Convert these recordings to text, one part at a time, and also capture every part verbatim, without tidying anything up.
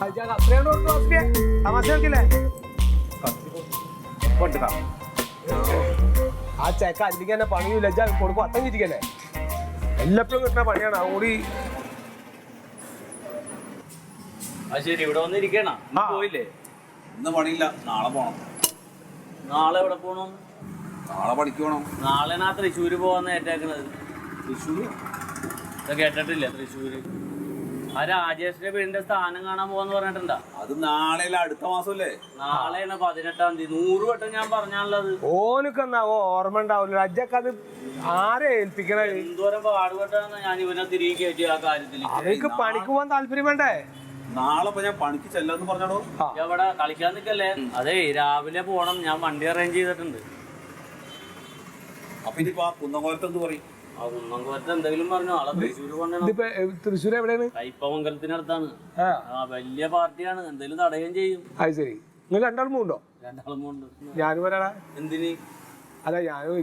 ആ ചെക്ക അല്ലെങ്കിൽ തന്നെ പണിയില്ല കൊടുക്കും അത്തം ചിരിക്കല്ലേ എല്ലാപ്പോഴും കിട്ടുന്ന പണിയാണ് അതുകൂടി. ശരി, ഇവിടെ വന്നിരിക്കണ പോയില്ലേ? ഇന്ന് പണിയില്ല, നാളെ പോണം. നാളെ എവിടെ പോണം? നാളെ പണിക്ക് പോണം. നാളെ നാ തൃശ്ശൂര് പോവാന്ന് ഏറ്റേക്കണത്. തൃശ്ശൂര് ഇത് കേട്ടിട്ടില്ല? തൃശ്ശൂര് ആ രാജേഷിന്റെ വീടിന്റെ സ്ഥാനം കാണാൻ പോവാന്ന് പറഞ്ഞിട്ടുണ്ടാ? അത് നാളെ അടുത്ത മാസമല്ലേ? നാളെയാണ് പതിനെട്ടാം തീയതി. നൂറ് വട്ടം ഞാൻ പറഞ്ഞാണുള്ളത്. ഓനക്ക് എന്നാവോ ഓർമ്മ ഉണ്ടാവില്ല. അജ്ജക്ക് അത് ആരെ ഏൽപ്പിക്കണത്? എന്തോരം പാടുപെട്ടാന്ന് ഞാൻ ഇവനെ തിരികെ കയറ്റി ആ കാര്യത്തിൽ. അവർക്ക് പണിക്ക് പോകാൻ താല്പര്യം വേണ്ടേ? നാളെ ഞാൻ പണിക്ക് ചെല്ലാന്ന് പറഞ്ഞോ. എവിടെ കളിക്കാൻ നിക്കല്ലേ? അതെ, രാവിലെ പോണം. ഞാൻ വണ്ടി അറേഞ്ച് ചെയ്തിട്ടുണ്ട്. അപ്പൊ ഇനിയിപ്പോ ആ കുന്നംകോലത്ത് എന്ത് പറയും? ആ കുന്നംകോലത്ത് എന്തെങ്കിലും പറഞ്ഞോ? ആളെ തൃശ്ശൂര് കൊണ്ടുവരണം. തൃശ്ശൂർ എവിടെയാണ്? കയ്പമംഗലത്തിനടുത്താണ്. ആ വലിയ പാർട്ടിയാണ്, എന്തെങ്കിലും തടയുകയും ചെയ്യും. അത് ശരി. നിങ്ങൾ രണ്ടാളും പോണ്ടോ? രണ്ടാളും പോണ്ട്. ഞാനും വരാടാ. എന്തിന്? അല്ല ഞാനും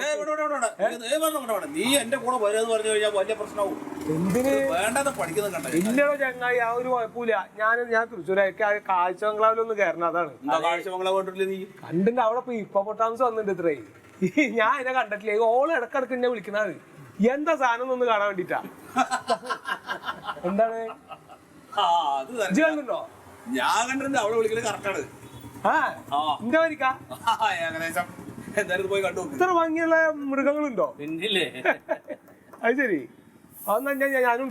നീ എന്റെ കൂടെ വരുമെന്ന് പറഞ്ഞു കഴിഞ്ഞാൽ വലിയ പ്രശ്നവും. എന്തിന് വേണ്ടത് പഠിക്കുന്നത് കണ്ടോ? ഇല്ലടോ ചങ്ങായി, ആ ഒരു കുഴപ്പമില്ല. ഞാൻ ഞാൻ തൃശ്ശൂരേക്ക് കാഴ്ച ബംഗ്ലാവിലൊന്ന് കയറണം. അതാണ് കാഴ്ച ബംഗ്ലാവ് കണ്ടിട്ടില്ല നീ? കണ്ടിട്ട് അവിടെ ഇപ്പൊ ഹിപ്പോപ്പൊട്ടാമസ് വന്നിട്ടുണ്ട് ഇത്രേ. ഞാൻ എന്നെ കണ്ടിട്ടില്ലേ? ഓള് ഇടക്കിടക്ക് എന്നെ വിളിക്കണത് എന്താ സാധനം ഒന്ന് കാണാൻ വേണ്ടിട്ടാ. എന്താണ് കണ്ടോ? ഞാൻ കണ്ടിട്ടുണ്ട്. അവിടെ വിളിക്കുന്നത് കറക്റ്റാണ്. ആ എന്താ വരിക്കാ ഏകദേശം എന്തായാലും പോയി കണ്ടു. ഇത്ര ഭംഗിയുള്ള മൃഗങ്ങളുണ്ടോ? പിന്നില്ലേ? അത് ശരി. അതെന്നാ ഞാനും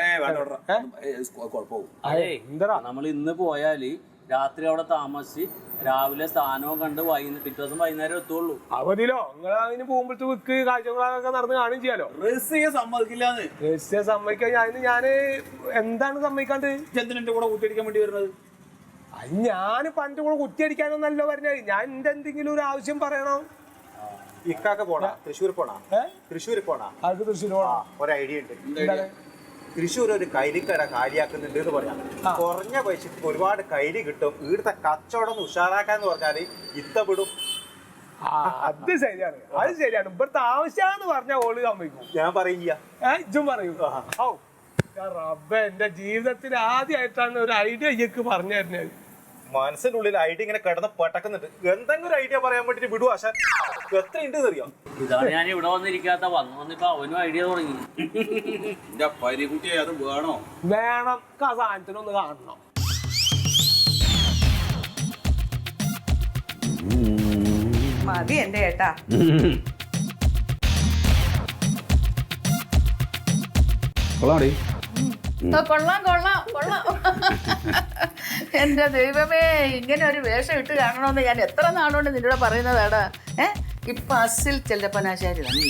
നമ്മൾ ഇന്ന് പോയാല് രാത്രി അവിടെ താമസിച്ച് രാവിലെ സ്ഥാനവും കണ്ട് വൈകുന്നേരം പിറ്റേ ദിവസം വൈകുന്നേരം എത്തുള്ളൂ. അവധിയിലോ നിങ്ങൾ അതിന് പോകുമ്പോഴത്തെ വിക്ക് കാഴ്ചകളൊക്കെ നടന്ന് കാണുകയും ചെയ്യാലോ. റസിയെ സമ്മതിക്കില്ലാന്ന്. റസിയെ സമ്മതിക്കാൻ ഞാൻ ഞാന് എന്താണ് സമ്മതിക്കാണ്ട്? എന്റെ കൂടെ കുത്തിയടിക്കാൻ വേണ്ടി വരുന്നത്? ഞാൻ പണ്ട് കൂടെ കുത്തിയടിക്കാനൊന്നല്ലോ പറഞ്ഞത്. ഞാൻ എന്റെ എന്തെങ്കിലും ഒരു ആവശ്യം പറയണോ? ഇക്കാക്ക പോണാ തൃശ്ശൂർ പോണാ തൃശ്ശൂർ പോണാ അത് തൃശ്ശൂർ പോണാ. ഒരു ഐഡിയ ഉണ്ട്. തൃശ്ശൂർ ഒരു കൈലിക്കട കാലിയാക്കുന്നുണ്ട് എന്ന് പറയാം. കുറഞ്ഞ പൈസക്ക് ഒരുപാട് കൈലി കിട്ടും. ഇവിടുത്തെ കച്ചവടം ഉഷാറാക്കാന്ന് പറഞ്ഞാല് ഇത്തപ്പെടും. അത് ശരിയാണ്, അത് ശരിയാണ്. ഇവിടുത്തെ ആവശ്യമാന്ന് പറഞ്ഞ ഓള് സമ്മതിക്കും. ഞാൻ പറയില്ല, ഇജ്ജും പറയൂ. റബ്ബേ, എന്റെ ജീവിതത്തിൽ ആദ്യമായിട്ടാണ് ഒരു ഐഡിയ ഇയ്യക്ക് പറഞ്ഞു തരുന്നത്. മനസ്സിന്റെ ഉള്ളിൽ ഐഡിയ ഇങ്ങനെ കിടന്ന് പെട്ടക്കുന്നുണ്ട്. എന്തെങ്കിലും ഒരു ഐഡിയ പറയാൻ വേണ്ടിട്ട് വിടുവാ. എത്ര ഉണ്ട് അറിയാം. ഇതാണ് ഞാൻ ഇവിടെ വന്നിരിക്കാത്ത. വന്നു വന്നിപ്പോ അവനും ഐഡിയ തുടങ്ങി. പരികുട്ടിയെ അത് വേണോ? വേണം. ആ സാധനത്തിനൊന്ന് കാണണം. മതി എന്റെ ഏട്ടാ. കൊള്ളാം കൊള്ളാം കൊള്ളാം. എന്റെ ദൈവമേ, ഇങ്ങനെ ഒരു വേഷം ഇട്ട് കാണണമെന്ന് ഞാൻ എത്ര നാളുകൊണ്ട് നിന്നോട് പറയുന്നതാടാ. ഏഹ് ഇപ്പൊ അസിൽ ചെല്ലപ്പനാശാരി തന്നെ.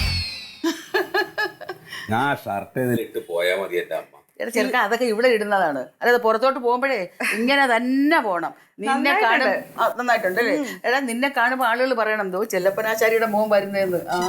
ഞാൻ ഷർട്ട് ഇട്ട് പോയാ മതി എന്റെ അമ്മ. ചെറുക്ക അതൊക്കെ ഇവിടെ ഇടുന്നതാണ്. അതായത് പുറത്തോട്ട് പോകുമ്പോഴേ ഇങ്ങനെ തന്നെ പോണം. നിന്നെ കാണും നന്നായിട്ടുണ്ട് അല്ലേ? എടാ, നിന്നെ കാണുമ്പോ ആളുകൾ പറയണം എന്തോ ചെല്ലപ്പനാശാരിയുടെ മോൻ വരുന്നതെന്ന്. ആ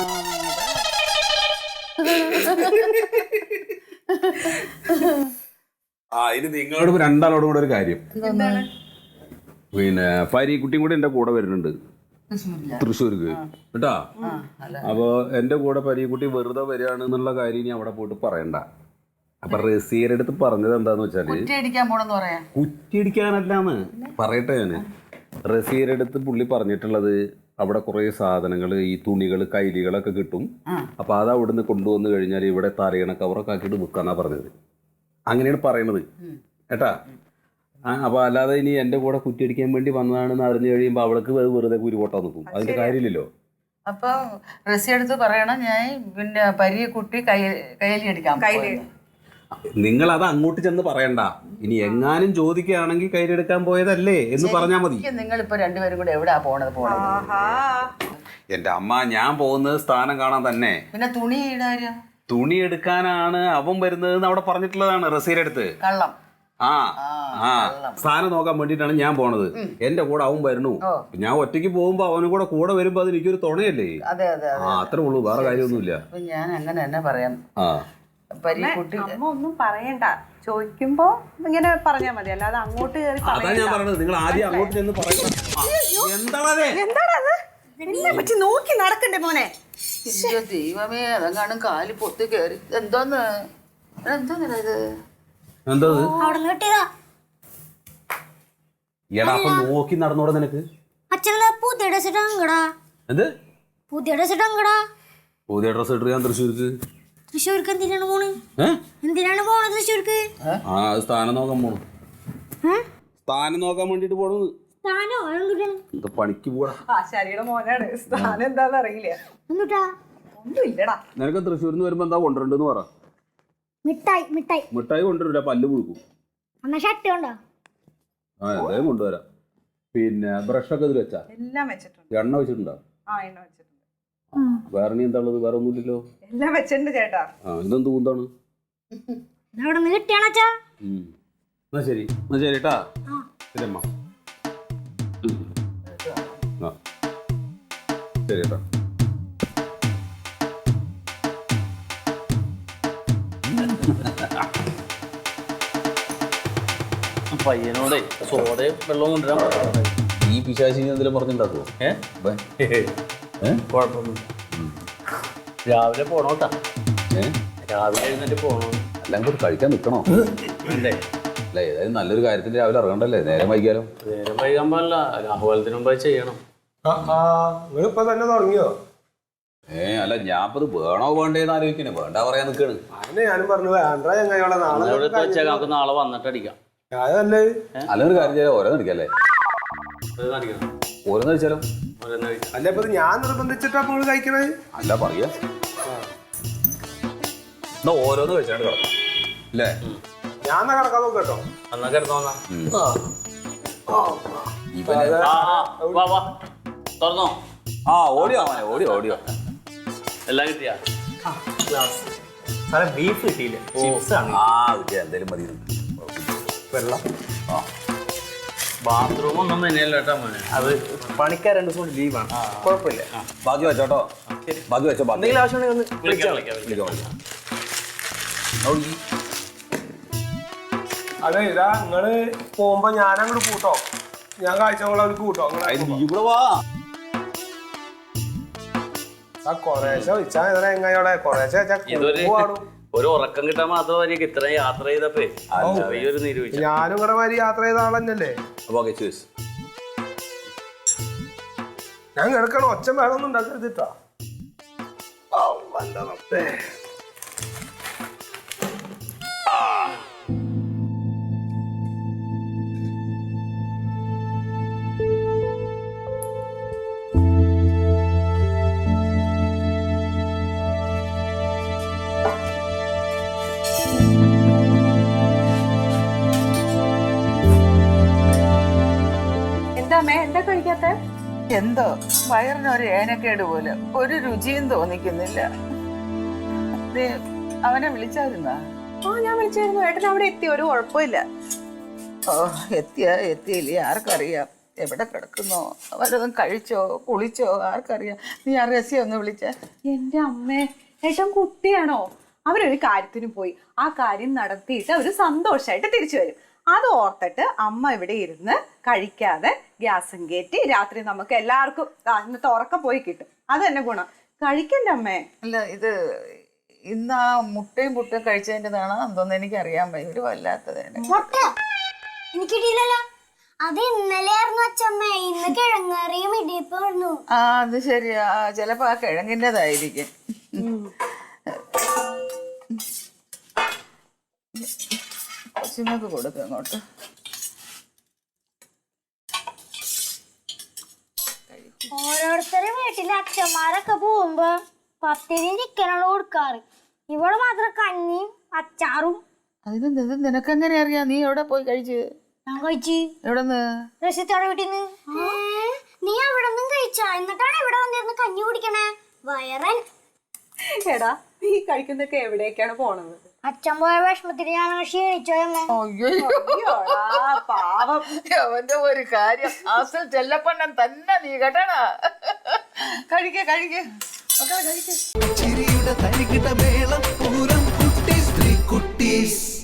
ആ ഇനി നിങ്ങളോട് രണ്ടാളോടും കൂടെ ഒരു കാര്യം. പിന്നെ പരീക്കുട്ടിയും കൂടെ എന്റെ കൂടെ വരുന്നുണ്ട് തൃശ്ശൂർക്ക് കേട്ടാ. അപ്പൊ എന്റെ കൂടെ പരീക്കുട്ടി വെറുതെ വരികയാണ് എന്നുള്ള കാര്യം ഇനി അവിടെ പോയിട്ട് പറയണ്ട. അപ്പൊ റസീയുടെ അടുത്ത് പറഞ്ഞത് എന്താന്ന് വെച്ചാല് കുറ്റിയടിക്കാനല്ലാന്ന് പറയട്ടെ. ഞാന് റസീയുടെ അടുത്ത് പുള്ളി പറഞ്ഞിട്ടുള്ളത് അവിടെ കുറെ സാധനങ്ങൾ, ഈ തുണികൾ, കൈലികളൊക്കെ കിട്ടും. അപ്പൊ അത് അവിടുന്ന് കൊണ്ടുവന്നു കഴിഞ്ഞാൽ ഇവിടെ തലയണ കവറൊക്കെ ആക്കിയിട്ട് വിൽക്കാന്നാ പറഞ്ഞത്. അങ്ങനെയാണ് പറയണത് കേട്ടാ. ആ അപ്പൊ അല്ലാതെ ഇനി എന്റെ കൂടെ കുറ്റിയടിക്കാൻ വേണ്ടി വന്നതാണെന്ന് അറിഞ്ഞു കഴിയുമ്പോ അവൾക്ക് വെറുതെ കുരുപോട്ടാ നിൽക്കും. അതിന്റെ കാര്യമില്ലല്ലോ. അപ്പൊ റസി എടുത്ത് പറയണം ഞാൻ പിന്നെ പരിയെ കുട്ടി കൈ കൈലി അടിക്കാം. നിങ്ങൾ അത് അങ്ങോട്ട് ചെന്ന് പറയണ്ട. ഇനി എങ്ങാനും ചോദിക്കുകയാണെങ്കിൽ കയ്യിലെടുക്കാൻ പോയതല്ലേ എന്ന് പറഞ്ഞാൽ മതി. നിങ്ങൾ ഇപ്പൊ രണ്ടുപേരും കൂടെ എവിടെയാ പോണത്? പോണത് എന്റെ അമ്മ, ഞാൻ പോകുന്നത് സ്ഥാനം കാണാൻ തന്നെ. പിന്നെ തുണി ഇടാരോ? തുണി എടുക്കാനാണ് അവൻ വരുന്നത് അവിടെ പറഞ്ഞിട്ടുള്ളതാണ് റസീയുടെ അടുത്ത്. കള്ളം. ആ ആ സ്ഥാനം നോക്കാൻ വേണ്ടിട്ടാണ് ഞാൻ പോണത്. എന്റെ കൂടെ അവൻ വരണു. ഞാൻ ഒറ്റയ്ക്ക് പോകുമ്പോ അവനും കൂടെ കൂടെ വരുമ്പോ അത് എനിക്കൊരു തുണയല്ലേ? അതെ അതെ ആ അത്രേ ഉള്ളൂ, വേറെ കാര്യമൊന്നുമില്ല. ഞാൻ അങ്ങനെ തന്നെ പറയാം. ആ അമ്മ ഒന്നും പറയണ്ട. ചോദിക്കുമ്പോ ഇങ്ങനെ പറഞ്ഞാ മതി, അല്ലാതെ അങ്ങോട്ട് കയറി. അതാ ഞാൻ പറഞ്ഞത്, നിങ്ങൾ ആദ്യം അങ്ങോട്ട് ചെന്ന് പറയണം. എന്താണത്? എന്താണത്? എന്നെ പറ്റി നോക്കി നടക്കണ്ടേ മോനെ? ദൈവമേ, അതെങ്ങാനും കാലി പൊത്തി കയറി. എന്തോന്ന് എന്തോന്നാ ഇത്? എന്തോ എടാ അപ്പൊ നോക്കി നടന്നോടെ നിനക്ക്. അച്ഛനെ പുതിയ ഡ്രസ് ഇടാങ്കടാ. എന്ത് പുതിയ ഡ്രസ് ഇടാങ്കടാ? പുതിയ ഡ്രസ് ഇട്ട് ഞാൻ തൃശ്ശൂർക്ക്. തൃശ്ശൂർക്ക് എന്തിനാണ് പോണ്? ഏഹ് എന്തിനാണ് പോണത് തൃശ്ശൂർക്ക്? ആ സ്ഥാനം നോക്കാൻ പോണു. സ്ഥാനം നോക്കാൻ വേണ്ടിട്ട് പോണു. സ്ഥാനോ എന്താ പണിക്ക് പോടാ. ആശാരിയുടെ മോനാണ്. സ്ഥാനം എന്താന്ന് അറിയില്ല. എന്നിട്ടാ ഒന്നും ഇല്ലടാ. നിനക്ക് തൃശ്ശൂരിൽ നിന്ന് വരുമ്പോ എന്താ കൊണ്ടുവരണ്ടെന്ന് പറ. മിഠായി മിഠായി മിഠായി കൊണ്ടുവരില്ല, പല്ല് പുഴുക്കും. എന്നാ ഷർട്ട് കൊണ്ടോ? ആ എന്തായാലും കൊണ്ടുവരാം. പിന്നെ ബ്രഷൊക്കെ ഇതിൽ വെച്ചാ? എല്ലാം വെച്ചിട്ടുണ്ട്. എണ്ണ വെച്ചിട്ടുണ്ടോ? ആ എണ്ണ വെച്ചിട്ടുണ്ട്. വേറെ നീ എന്താ ഉള്ളത്? വേറെ ഒന്നുമില്ലല്ലോ. എല്ലാം വെച്ചിട്ടുണ്ട് ചേട്ടാ. ആ ഇതെന്ത് കൂന്താണ്? അവിടെ നിന്ന് കിട്ടിയാണച്ചാ? എന്നാ ശരി, എന്നാ ശരി കേട്ടാ. ശരി അമ്മ. ആ ശരി കേട്ടോ. പയ്യനോടെ സോഡയും വെള്ളവും കൊണ്ടുവരാൻ പറഞ്ഞു. ഈ പിശാചി എന്തെങ്കിലും പറഞ്ഞിട്ടുണ്ടാക്കുമോ? ഏഹ് കുഴപ്പമൊന്നുമില്ല. രാവിലെ പോണോട്ടാ. ഏഹ് രാവിലെ എഴുന്നേറ്റ് പോണോ? എല്ലാം കൂടി കഴിക്കാൻ നിൽക്കണോ? അല്ലേ അല്ല ഏതായാലും നല്ലൊരു കാര്യത്തിന് രാവിലെ ഇറങ്ങണ്ടല്ലേ, നേരം വൈകിയാലോ? നേരം വൈകാൻ പാടില്ല, രാഹുലത്തിന് മുമ്പ് ചെയ്യണം. നിങ്ങളിപ്പോ തന്നെ തുടങ്ങിയോ? ഏ അല്ല ഞാൻ ഇപ്പൊ ഇത് വേണോ വേണ്ടേന്ന് ആലോചിക്കണേ. വേണ്ട പറയാൻ നിൽക്കണ്. അതിന് ഞാനും പറഞ്ഞു വേണ്ട ചങ്ങായിയോളെ നാളെ ഇവിടെ വെച്ചാൽ നമുക്ക് നാളെ വന്നിട്ട് അടിക്കാം. അതല്ലേ നല്ലൊരു കാര്യം ചെയ്യാം, ഓരോന്ന് അടിക്കല്ലേ? അടിക്കണം, ഓരോന്ന് കഴിച്ചാലോ? ഓരോന്ന് കഴിക്കാം. അല്ല ഇപ്പൊ ഇത് ഞാൻ നിർബന്ധിച്ചിട്ടാ നിങ്ങൾ കഴിക്കണേ? അല്ല പറയാ എന്നാ ഓരോന്ന് കഴിച്ചാണ്ട് കിടക്കാം അല്ലേ? ഞാൻ എന്നാ കിടക്കാൻ നോക്കാം കേട്ടോ. എന്നാ കിടന്നോന്നാ. ഇവന് ആ വാ വാ തുറന്നോ. ആ ഓടിയോ മോനെ, ഓടിയോ ഓടിയോ. എല്ലാം കിട്ടിയാ? ബീഫ് കിട്ടിയില്ല. ആ കിട്ടിയ എന്തേലും മതി. വെള്ളം ആ ബാത്റൂം ഒന്നും തന്നെയല്ല കേട്ടോ മോനെ. അത് പണിക്കാർ രണ്ടു ദിവസം ലീവാണ്. കുഴപ്പമില്ല. ബാക്കി വെച്ചോട്ടോ. ബാക്കി വെച്ചോ. ബാക്കി എന്തെങ്കിലും ആവശ്യമുണ്ടെങ്കിൽ ഒന്ന് വിളിക്കാം വിളിക്കാം വിളിക്കാം. വിളിക്കാം, വിളിക്കാം. അവിടെ അതെ ഇതാ നിങ്ങള് പോകുമ്പോ ഞാൻ അങ്ങോട്ട് കൂട്ടോ. ഞാൻ കാഴ്ചകളെ അവർക്ക് കൂട്ടോ. അതിന് നീ കൂടെ വാ. ആ കൊറേശ്ശെ വെച്ചാ ഇതേ എങ്ങായോടെ കൊറേശ്ശെ വെച്ചാ ഇതൊരു പാടും. ഒരു ഉറക്കം കിട്ടാൻ മാത്രമായിരിക്കും ഇത്രയും യാത്ര ചെയ്തപ്പേ ഈ ഒരു നിരൂപിച്ചു. ഞാനും ഇവിടെ മാതിരി യാത്ര ചെയ്ത ആളല്ലേ. ഓക്കെ ചേസ്. ഞാൻ കിടക്കണ ഒച്ച വേണമെന്നും ഉണ്ടാക്കരുതിട്ടാ. എന്താ അമ്മേ എന്താ കഴിക്കാത്ത? എന്തോ വയറിനൊരു ഏനക്കേട് പോലെ, ഒരു രുചിയും തോന്നിക്കുന്നില്ല. ദേ, അവനെ വിളിച്ചായിരുന്നാ? ആ ഞാൻ വിളിച്ചായിരുന്നു. ഏട്ടൻ അവിടെ എത്തി. ഒരു കുഴപ്പമില്ല. ഓ എത്തിയാ എത്തിയില്ലേ ആർക്കറിയാം. എവിടെ കിടക്കുന്നോ, വല്ലതും കഴിച്ചോ കുളിച്ചോ ആർക്കറിയാം. നീ ആ രസ്യം ഒന്ന് വിളിച്ച. എന്റെ അമ്മേ, ഏട്ടൻ കുട്ടിയാണോ? അവരൊരു കാര്യത്തിന് പോയി. ആ കാര്യം നടത്തിയിട്ട് അവര് സന്തോഷമായിട്ട് തിരിച്ചു വരും. അത് ഓർത്തിട്ട് അമ്മ ഇവിടെ ഇരുന്ന് കഴിക്കാതെ ഗ്യാസും കയറ്റി രാത്രി നമുക്ക് എല്ലാവർക്കും ഇന്നത്തെ ഉറക്കം പോയി കിട്ടും. അത് തന്നെ ഗുണം. കഴിക്കണ്ട അമ്മേ. അല്ല ഇത് ഇന്ന് ആ മുട്ടയും പുട്ടും കഴിച്ചതിൻ്റെതാണോ എന്തോന്ന് എനിക്കറിയാൻ വയ്യ. ഒരു വല്ലാത്തതാണ്. മുട്ട എനിക്ക് കിട്ടിയില്ലല്ലോ. അത് ഇന്നലെ ആയിരുന്നു അച്ഛമ്മ. ഇന്ന് കിഴങ്ങറിയും ഇടിയപ്പായിരുന്നു. ആ അത് ശരിയാ, ചിലപ്പോ ആ കിഴങ്ങിൻ്റെതായിരിക്കും. കൊച്ചിനൊക്കെ കൊടുക്കും അങ്ങോട്ട്. ഓരോരുത്തരുടെ വീട്ടിലെ അച്ഛന്മാരൊക്കെ പോകുമ്പോ പത്തിരിയും ചിക്കനുള്ള കൊടുക്കാറ്. ഇവിടെ മാത്രം കഞ്ഞിയും അച്ചാറും. അതിന് നിനക്കെങ്ങനെ അറിയാം? നീ എവിടെ പോയി കഴിച്ച്? ഞാൻ കഴിച്ചു. എവിടെന്ന്? റസിത്തോടെ വീട്ടിൽ നിന്ന്. നീ അവിടെ നിന്നും കഴിച്ചാ? എന്നിട്ടാണ് ഇവിടെ വന്നിരുന്ന് കഞ്ഞി കുടിക്കണേ വയറൻ. എടാ നീ കഴിക്കുന്നൊക്കെ എവിടേക്കാണ് പോണത്? അച്ഛൻ പോയ വിഷമത്തിന് ഞാൻ ക്ഷീണിച്ചോയമ്മേ. അയ്യോടാ, പാവം. അവന്റെ ഒരു കാര്യം അസൽ ചെല്ലപ്പണ്ണൻ തന്നെ നീ കേട്ടണ. കഴിക്ക കഴിക്ക മക്കളെ കഴിക്ക. ചിരിയുടെ തരികിട മേളം പൂരം കുട്ടീസ് ത്രീ കുട്ടീസ്.